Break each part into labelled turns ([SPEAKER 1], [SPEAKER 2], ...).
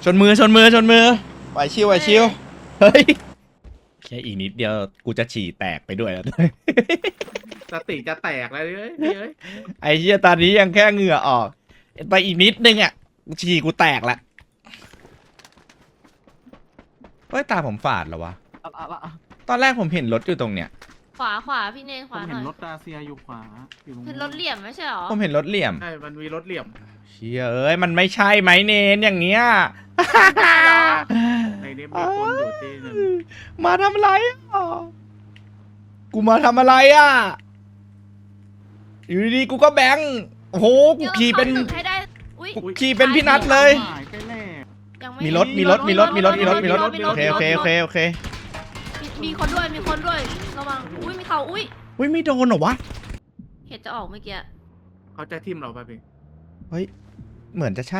[SPEAKER 1] ชนมือไหวชิวเฮ้ยแค่อีกนิดเดียวกูจะฉี่แตกไปด้วยแล้ว
[SPEAKER 2] สติจะแตกแล้วเอ้ย
[SPEAKER 1] ไอ้เหี้ยตอนนี้ยังแค่เหงื่อออกไปอีกนิดนึงอ่ะฉี่กูแตกละเฮ้ยตาผมฝาดเหรอวะตอนแรกผมเห็นรถอยู่ตรงเนี้ย
[SPEAKER 3] ขวาพี่เนนข
[SPEAKER 4] ผ
[SPEAKER 3] วาม ห
[SPEAKER 4] เห็
[SPEAKER 3] น่
[SPEAKER 4] น
[SPEAKER 3] อย
[SPEAKER 4] รถดาเซียอยู่ขวาอยู่ตรง
[SPEAKER 3] เป็นรถเหลี่ยมไม่ใช่หรอ
[SPEAKER 1] ผมเห็นรถเหลี่ยม
[SPEAKER 2] ใช่มันมีรถเหลี่ยม
[SPEAKER 1] เชี่ยเอ้ยมันไม่ใช่ไหมเนนอย่างเงี้ย
[SPEAKER 2] ในนี้มีคนอยู่ที่หนึ่ง
[SPEAKER 1] มาทำอะไรอ่ะกูมาทำอะไรอ่ะอยู่ดีๆกูก็แบงค์โอ้โหกูขี่เป็น
[SPEAKER 3] ให้ได้อุ้ย
[SPEAKER 1] กูขี่เป็นพี่นัทเลย
[SPEAKER 4] หายใกล้แน่
[SPEAKER 3] ยังไม่
[SPEAKER 1] มีรถโอเค
[SPEAKER 3] มีคนด้วยระวังอุ้ยมีเขาอุ้ย
[SPEAKER 1] อุ้ยไม่โดนเหรอวะ
[SPEAKER 3] เห็ดจะออกเมื่อกี้
[SPEAKER 2] เขาจะทิ่มเราไปพี่
[SPEAKER 1] เฮ้ยเหมือนจะใช่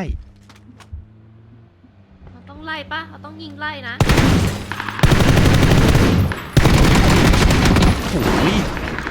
[SPEAKER 3] เราต้องไล่ปะเราต้องยิงไล่นะ
[SPEAKER 1] โอ้ย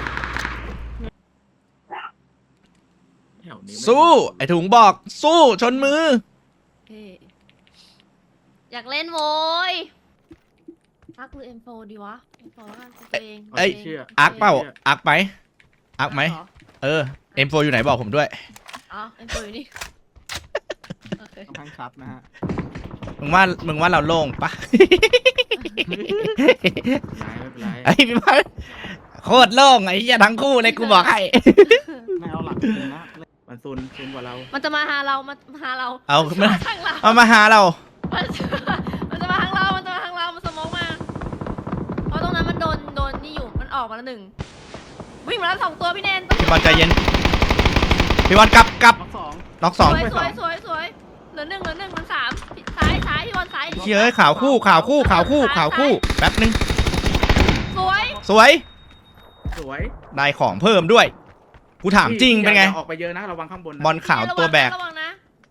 [SPEAKER 2] แถวนี้ไม่
[SPEAKER 1] สู้ไอถุงบอกสู้ชนมือ
[SPEAKER 3] เฮ้อยากเล่นโว้ยพักหรือ M4 ดีวะ M4 แล้วกันตัวเอง
[SPEAKER 1] เอ้ย
[SPEAKER 2] เชื่อ
[SPEAKER 1] อักเปล่าอักไหมอักไหม
[SPEAKER 3] เหรอ
[SPEAKER 1] M4 อยู่ไหนบอกผมด้วย
[SPEAKER 3] อ๋อ M4 อยู่นี่โอเค
[SPEAKER 4] ค่อนข้างชัดนะฮะ
[SPEAKER 1] มึงว่าเราโล่งปะ
[SPEAKER 2] ไม่เป็นไร
[SPEAKER 1] ไอ้พี่พันโคตรโล่งไอ้เหี้ยทั้งคู่เลยกูบอกให้
[SPEAKER 4] ไม่เอาหลักจริงนะ
[SPEAKER 2] มันซุนกว่าเรา
[SPEAKER 3] มันจะมาหาเรา
[SPEAKER 1] เอา
[SPEAKER 3] มันจะมาทางเรา
[SPEAKER 1] เอามาหาเรา
[SPEAKER 3] มันจะมาทางเรา มันสโมองมา เพราะตรงนั้นมันโดนนี่อยู่ มันออกมาแล้วหนึ่ง วิ่งมาแล้ว2 ตัวพี่เนน
[SPEAKER 1] พี่บอลใจเย็นพี่บอลกลับ
[SPEAKER 4] ล็อกสอง
[SPEAKER 1] น็อก
[SPEAKER 3] ส
[SPEAKER 1] 2
[SPEAKER 3] วยเหลือหนึ่งเหลือ3ซ้ายพี่บอลซ้าย
[SPEAKER 1] เฮ้ยข่าวคู่แป๊บนึง
[SPEAKER 3] สวย
[SPEAKER 1] สวย
[SPEAKER 2] สวย
[SPEAKER 1] ได้ของเพิ่มด้วยกูถามจริงเป็นไง
[SPEAKER 2] อย่าออกไปเยอะนะระวังข้างบนนะ
[SPEAKER 1] บอลขาวตัวแบก
[SPEAKER 3] ระวังนะ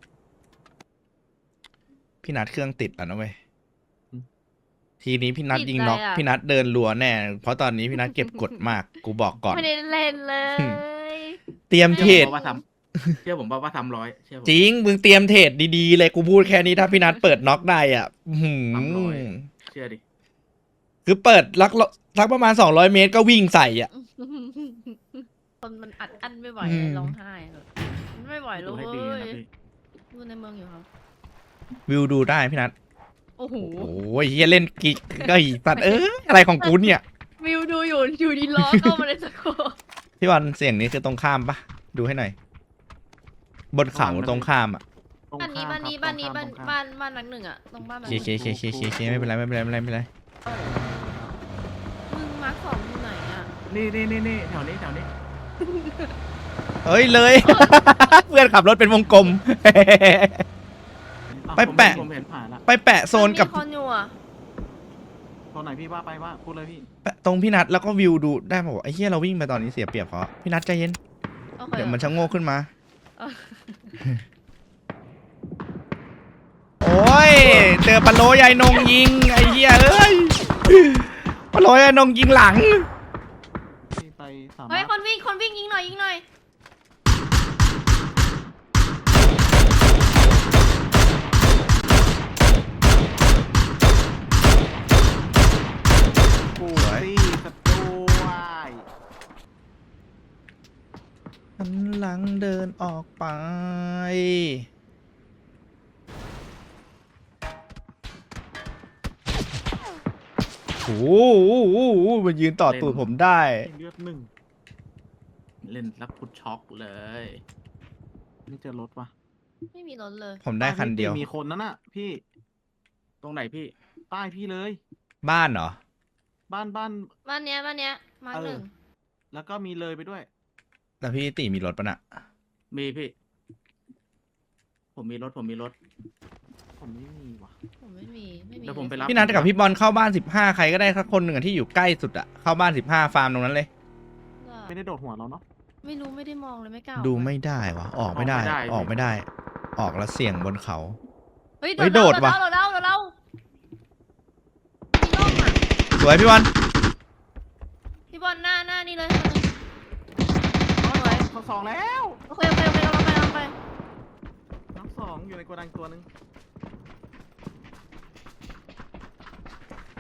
[SPEAKER 1] พี่นัดเครื่องติดแล้วนะเว้ยทีนี้พี่นัดยิงน็อกพี่นัดเดินรัวแน่เพราะตอนนี้พี่นัดเก็บกดมากกูบอกก่อน
[SPEAKER 3] ไม่ได้เล่นเลย
[SPEAKER 1] เตรียมเทรด
[SPEAKER 2] เชื่อผมว่าทำ100เชื่อผม
[SPEAKER 1] จริงมึงเตรียมเทรดดีๆเลยกูพูดแค่นี้ถ้าพี่นัดเปิดน็อกได้อ่ะ
[SPEAKER 2] เชื่อดิ
[SPEAKER 1] คือเปิดลักประมาณ200 เมตรก็วิ่งใส่อ่ะ
[SPEAKER 3] คนมันอัดอั้นไม่ไหว
[SPEAKER 1] อืม
[SPEAKER 3] ร้องไห้เลยมันไม่ไหวเล
[SPEAKER 2] ดู
[SPEAKER 3] ย
[SPEAKER 2] ให้ดีนะพี่
[SPEAKER 3] ดูในเมืองอยู่ครับ
[SPEAKER 1] วิวดูได้พี่นัท
[SPEAKER 3] โอ้โห
[SPEAKER 1] โอ้ยเฮียเล่นกิ๊กก็อีสัตว์อะไรของกูเนี่ย
[SPEAKER 3] วิวดูอยู่ดีล้อเข้ามาในสโคป
[SPEAKER 1] พี่วันเสียงนี้คือตรงข้ามปะดูให้หน่อย บนเขาตรงข้ามอ่ะ
[SPEAKER 4] ตรง
[SPEAKER 3] บ้านนี้
[SPEAKER 4] ข้ามครับ
[SPEAKER 3] บ้านนี้
[SPEAKER 4] ตรง
[SPEAKER 3] บ้าน
[SPEAKER 4] ข้าม
[SPEAKER 3] บ้านหลังหนึ่งอะตรงบ้านหลัง
[SPEAKER 1] เค
[SPEAKER 3] หนึ่ง
[SPEAKER 1] เคไม่เป็นไรไม่เป็นไร
[SPEAKER 3] มึงมาร์ค2อยู่ไหนอะ
[SPEAKER 2] นี่แถวนี้
[SPEAKER 1] เฮ้ยเลย เพื่อนขับรถเป็นวงกลม ไปแปะ
[SPEAKER 2] ผมเห็น
[SPEAKER 4] ผ่านละ
[SPEAKER 1] ไปแปะโซนกับ
[SPEAKER 3] มัมีคนอยู่อะ
[SPEAKER 4] ตัวไหนพี่ว่าพูดเลยพี่
[SPEAKER 1] แปะตรงพี่นัทแล้วก็วิวดูได้ป่าวไอ้เหี้ยเราวิ่งไปตอนนี้เสียเปรียบเขาพี่นัทใจเย็น
[SPEAKER 3] โอเค
[SPEAKER 1] เดี๋ยวมันชะโงกขึ้นมา
[SPEAKER 3] เออ
[SPEAKER 1] โอ้ยเจอปลาโลยายนงยิงไอ้เหี้ยเอ้ยปลาโลยายนงยิงหลัง
[SPEAKER 4] พี่ไปสาม
[SPEAKER 3] เฮ้ย
[SPEAKER 4] ารถ
[SPEAKER 3] คนวิ่งยิงหน่อย
[SPEAKER 4] กูซี่สตูวาย
[SPEAKER 1] หันหลังเดินออกไปโอ้โหมันยืนต่อตูดผมได้
[SPEAKER 4] เลือดหนึ่ง
[SPEAKER 2] เล่นแล้วพุดช็อกเลย
[SPEAKER 4] ไม่เจอรถวะ
[SPEAKER 3] ไม่มีรถเลย
[SPEAKER 1] ผมได้คันเดียว
[SPEAKER 4] มีคนนั่นน่ะพี่
[SPEAKER 2] ตรงไหนพี่
[SPEAKER 4] ใต้พี่เลย
[SPEAKER 1] บ้านเหรอ
[SPEAKER 4] บ้าน
[SPEAKER 3] บ้านเนี้ยมาร์ค
[SPEAKER 4] เออ
[SPEAKER 3] หนึ่ง
[SPEAKER 4] แล้วก็มีเลยไปด้วย
[SPEAKER 1] แล้วพี่ตีมีรถปะน่ะ
[SPEAKER 2] มีพี่ ผมมีรถ
[SPEAKER 4] ผมไม่มีว่ะ
[SPEAKER 3] ผมไม่มี
[SPEAKER 2] เดี๋ยวผมไปรับ
[SPEAKER 1] พี่นัทกับพี่บอลเข้าบ้าน15ใครก็ได้สักคนหนึ่งอะที่อยู่ใกล้สุดอะเข้าบ้าน15ฟาร์มตรงนั้นเลย
[SPEAKER 4] ไม่ได้โดดหัวเราเนาะ
[SPEAKER 3] ไม่รู้ไม่ได้มองเลยไม่กล้า
[SPEAKER 1] ดูไม่ได้วะออกไม่ได้ ออกไม่ได้ ออกแล้วเสี่ยงบนเขา
[SPEAKER 3] เฮ้ย
[SPEAKER 1] เฮ้ยโดดว่ะ
[SPEAKER 3] โดดแล้วมีร่มอะ
[SPEAKER 1] สวยพี่บอล
[SPEAKER 3] พี่บอลหน้านี่เลย
[SPEAKER 4] เขาสองแล้ว
[SPEAKER 3] โอเคกำลังไป
[SPEAKER 4] น้องสองอยู่ในโกดังตัวหนึง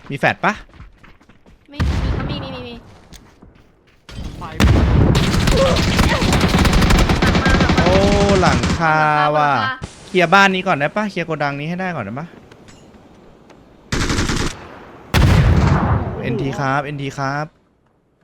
[SPEAKER 1] มีแฟดปะ
[SPEAKER 3] ไม่มีมี
[SPEAKER 4] ไฟ
[SPEAKER 1] โอ้หลังคาว่ะ
[SPEAKER 3] หลังคา
[SPEAKER 1] เคลียร์บ้านนี้ก่อนได้ปะเคลียร์โกดังนี้ให้ได้ก่อนได้ปะเอ็นทีครับ